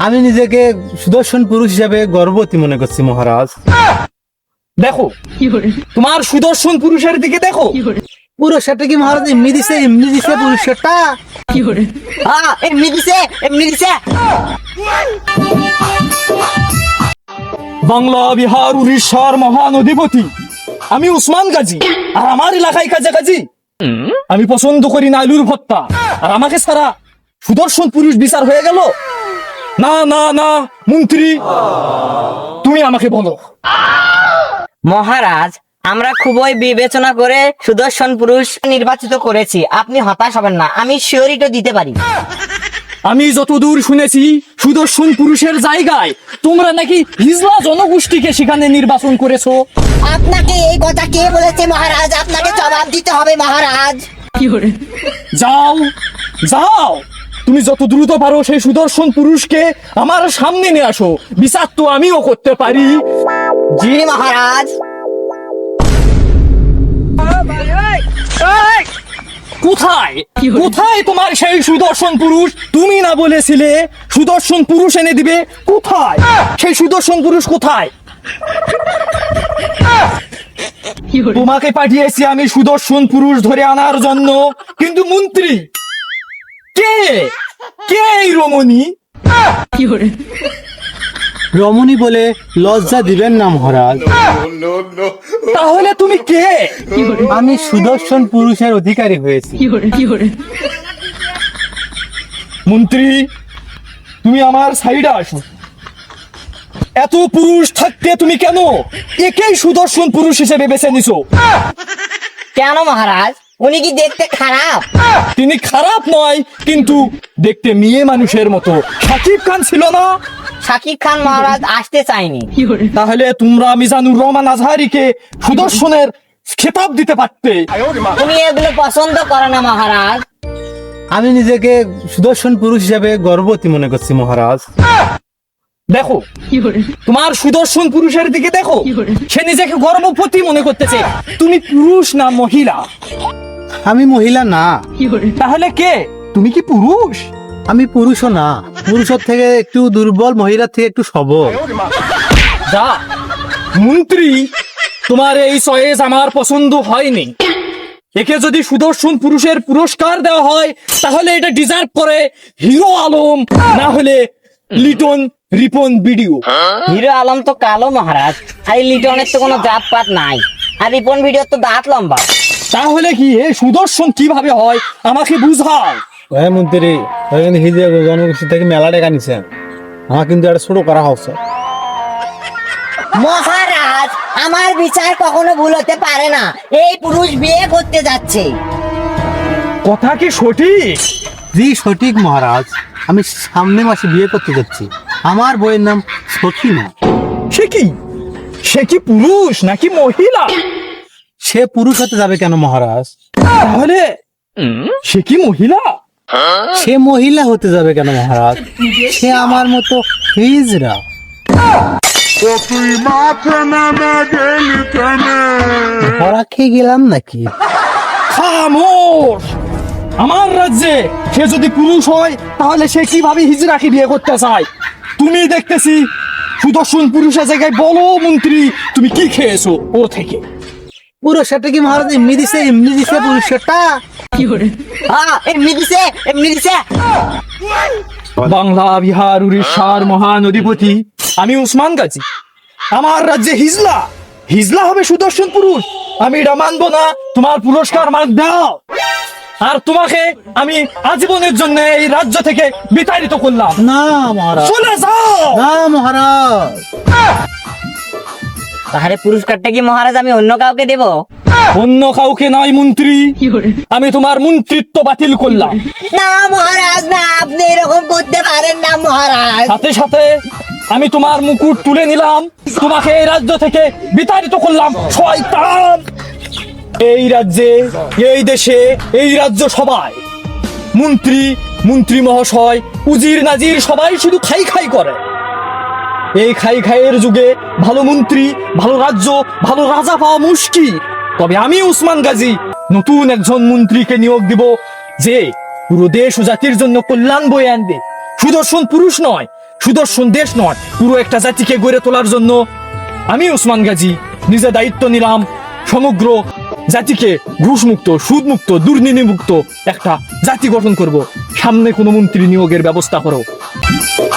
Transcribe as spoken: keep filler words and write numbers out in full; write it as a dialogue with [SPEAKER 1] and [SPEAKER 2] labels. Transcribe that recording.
[SPEAKER 1] আমি নিজেকে সুদর্শন পুরুষ হিসেবে গর্ববতী মনে করছি মহারাজ।
[SPEAKER 2] দেখো তোমার সুদর্শন পুরুষের দিকে দেখো।
[SPEAKER 1] পুরস্কারটা কি মহারাজ এমনি দিছে? এমনি দিছে পুরস্কারটা?
[SPEAKER 3] হ্যাঁ এমনি দিছে এমনি দিছে।
[SPEAKER 2] বাংলা, বিহার, উড়িষ্যার মহান অধিপতি আমি উসমান গাজী। আর আমার এলাকায় কাছাকাছি আমি পছন্দ করি না আলুর ভর্তা। আর আমাকে সারা সুদর্শন পুরুষ বিচার হয়ে গেল? না না না মন্ত্রী, তুমি আমাকে বলো।
[SPEAKER 3] মহারাজ, আমরা খুবই বিবেচনা করে সুদর্শন পুরুষ নির্বাচিত করেছি, আপনি হতাশ হবেন না, আমি শিওরিটি দিতে পারি।
[SPEAKER 2] আমি যতদূর শুনেছি সুদর্শন পুরুষের জায়গায় তোমরা নাকি হিজলা জনগোষ্ঠীকে সেখানে নির্বাচন করেছো।
[SPEAKER 3] আপনাকে এই কথা কে বলেছে মহারাজ? আপনাকে জবাব দিতে হবে মহারাজ।
[SPEAKER 2] যাও যাও, তুমি যত দ্রুত পারো সেই সুদর্শন পুরুষকে আমার সামনে নিয়ে আসো, বিচার তো আমিও করতে পারি।
[SPEAKER 3] জি মহারাজ।
[SPEAKER 2] কোথায় কোথায় তোমার সেই সুদর্শন পুরুষ? তুমি না বলেছিলে সুদর্শন পুরুষ এনে দিবে? কোথায় সেই সুদর্শন পুরুষ? কোথায়? তোমাকে পাঠিয়েছি আমি সুদর্শন পুরুষ ধরে আনার জন্য, কিন্তু মন্ত্রী কে কে এই রমণী?
[SPEAKER 1] রমণী বলে লজ্জা দিবেন না মহারাজ।
[SPEAKER 2] তাহলে তুমি কে?
[SPEAKER 1] আমি সুদর্শন পুরুষের অধিকারী হয়েছি।
[SPEAKER 2] মন্ত্রী, তুমি আমার সাইডে আসো। এত পুরুষ থাকতে তুমি কেন একেই সুদর্শন পুরুষ হিসেবে বেছে নিছো?
[SPEAKER 3] কেন মহারাজ, উনি কি দেখতে খারাপ?
[SPEAKER 2] তিনি খারাপ নয়, কিন্তু দেখতে মেয়ে মানুষের মতো। শাকিব খান ছিল না?
[SPEAKER 3] শাকিব খান মহারাজ আসতে চাইনি।
[SPEAKER 2] তাহলে তোমরা মিজানুর রহমান আজহারিকে সুদর্শনের খেতাব দিতে পারতে।
[SPEAKER 3] উনি এগুলো পছন্দ করে না মহারাজ।
[SPEAKER 1] আমি নিজেকে সুদর্শন পুরুষ হিসেবে গর্ববতী মনে করছি মহারাজ।
[SPEAKER 2] দেখো তোমার সুদর্শন পুরুষের দিকে দেখো, সে নিজেকে গর্ভবতী মনে করতেছে। তুমি পুরুষ না মহিলা?
[SPEAKER 1] আমি মহিলা না।
[SPEAKER 2] তাহলে কে? তুমি কি পুরুষ?
[SPEAKER 1] আমি পুরুষও না, পুরুষের থেকে একটু দুর্বল, মহিলার থেকে একটু সবল।
[SPEAKER 2] যা মন্ত্রী, তোমার এই চয়েস আমার পছন্দ হয়নি। একে যদি সুদর্শন পুরুষের পুরস্কার দেওয়া হয় তাহলে এটা ডিজার্ভ করে হিরো আলম, না হলে লিটন রিপন ভিডিও।
[SPEAKER 3] হিরো আলম তো কালো মহারাজ, আর এই লিটনের তো কোনো জাত পাত নাই, আর রিপন ভিডিওর তো দাঁত লম্বা।
[SPEAKER 2] তাহলে কি এ সুদর্শন কিভাবে হয় আমাকে বুঝাও।
[SPEAKER 1] হ্যাঁ মন্ত্রী, হিজে জনগোষ্ঠী থেকে মেলা টাকা নিছেন, আমার কিন্তু একটা ছোট করা হচ্ছে।
[SPEAKER 3] মহারাজ, আমার বিচার কখনো ভুল হতে পারে না, এই পুরুষ বিয়ে করতে যাচ্ছে।
[SPEAKER 2] কথা কি সঠিক?
[SPEAKER 1] জি সঠিক মহারাজ, আমি সামনে মাসে বিয়ে করতে যাচ্ছি। আমার বইয়ের নাম সখিনা।
[SPEAKER 2] সে কি সে কি পুরুষ নাকি মহিলা?
[SPEAKER 1] সে পুরুষ হতে যাবে কেন মহারাজ?
[SPEAKER 2] তাহলে সে কি মহিলা?
[SPEAKER 1] সে মহিলা হতে যাবে কেন মহারাজ? সে আমার মতো হিজরা। ধরা খেয়ে গেলাম নাকি?
[SPEAKER 2] খামোশ! আমার রাজ্যে সে যদি পুরুষ হয় তাহলে সে কিভাবে হিজড়াকে বিয়ে করতে চায়? তুমি দেখতেছি সুদর্শন পুরুষের জায়গায় বলো মন্ত্রী, তুমি কি খেয়েছো ও থেকে?
[SPEAKER 1] পুরস্কারটা কি মহারাজ এমনি দিছে? এমনি দিছে পুরস্কারটা?
[SPEAKER 3] হ্যাঁ এমনি দিছে এমনি দিছে।
[SPEAKER 2] বাংলা, বিহার, উড়িষ্যার মহান অধিপতি আমি উসমান গাজী। আমার রাজ্যে হিজলা হিজলা হবে সুদর্শন পুরুষ? আমি এটা মানবো না। তোমার পুরস্কার মান দাও, আর তোমাকে আমি আজীবনের জন্য এই রাজ্য থেকে বিতাড়িত করলাম।
[SPEAKER 1] না মহারাজ,
[SPEAKER 2] চলে যাও।
[SPEAKER 1] না মহারাজ।
[SPEAKER 3] তাহলে পুরস্কারটা কি মহারাজ আমি অন্য কাউকে দেব?
[SPEAKER 2] অন্য কাউকে নয় মন্ত্রী, আমি তোমার মন্ত্রিত্ব বাতিল করলাম।
[SPEAKER 3] না মহারাজ, না, আপনি এরকম করতে পারেন না মহারাজ।
[SPEAKER 2] সাথে সাথে আমি তোমার মুকুট তুলে নিলাম, তোমাকে এই রাজ্য থেকে বিতাড়িত করলাম। শয়তান! এই রাজ্যে, এই দেশে, এই রাজ্য সবাই মন্ত্রী মন্ত্রী মহাশয়, উজির নাজির সবাই শুধু খাই খাই করে। এই খাই খাইয়ের যুগে ভালো মন্ত্রী, ভালো রাজ্য, ভালো রাজা পাওয়া মুশকিল। তবে আমি উসমান গাজী নতুন একজন মন্ত্রীকে নিয়োগ দিব, যে পুরো দেশ ও জাতির জন্য কল্যাণ বয়ে আনবে। সুদর্শন পুরুষ নয়, সুদর্শন দেশ নয়, পুরো একটা জাতিকে গড়ে তোলার জন্য আমি ওসমান গাজী নিজে দায়িত্ব নিলাম সমগ্র জাতিকে ঘুষমুক্ত, সুদমুক্ত, দুর্নীতিমুক্ত একটা জাতি গঠন করব। সামনে কোনো মন্ত্রী নিয়োগের ব্যবস্থা করো।